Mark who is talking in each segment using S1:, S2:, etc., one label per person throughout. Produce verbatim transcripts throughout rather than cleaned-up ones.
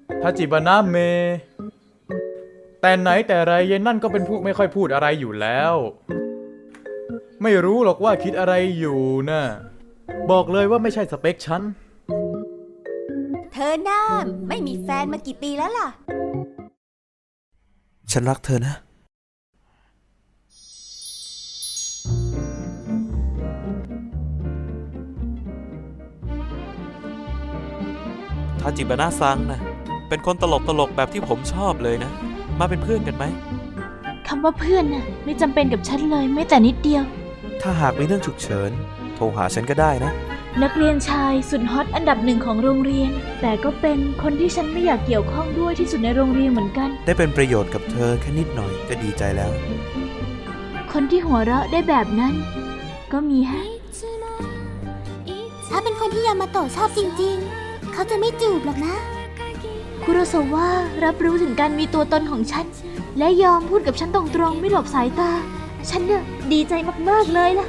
S1: ทาจิบะนะเมแต่ไหนแต่ไรเย็นนั่นก็เป็นพวกไม่ค่อยพูดอะไรอยู่แล้วไม่รู้หรอกว่าคิดอะไรอยู่นะบอกเลยว่าไม่ใช่สเปคฉัน
S2: เธอหน้าไม่มีแฟนมากี่ปีแล้วล่ะ
S3: ฉันรักเธอนะทาจิบะนะซังนะเป็นคนตลกตลกแบบที่ผมชอบเลยนะมาเป็นเพื่อนกันไหม
S4: คำว่าเพื่อนน่ะไม่จำเป็นกับฉันเลยแม้แต่นิดเดียว
S3: ถ้าหากมีเรื่องฉุกเฉินโทรหาฉันก็ได้นะ
S4: นักเรียนชายสุดฮอตอันดับหนึ่งของโรงเรียนแต่ก็เป็นคนที่ฉันไม่อยากเกี่ยวข้องด้วยที่สุดในโรงเรียนเหมือนกัน
S3: ได้เป็นประโยชน์กับเธอแค่นิดหน่อยก็ดีใจแล้ว
S4: คนที่หัวเราะได้แบบนั้นก็มีฮะ
S2: ถ้าเป็นคนที่ยามาโตะชอบจริงๆเขาจะไม่จูบหรอกนะ
S4: คุโรซาวะรับรู้ถึงการมีตัวตนของฉันและยอมพูดกับฉันตรงๆไม่หลบสายตาฉันเนี่ยดีใจมากๆเลยล่ะ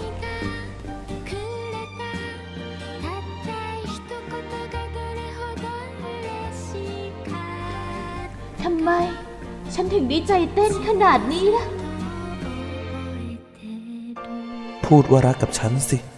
S4: ทำไมฉันถึงดีใจเต้นขนาดนี้ล่ะ
S3: พูดว่ารักกับฉันสิ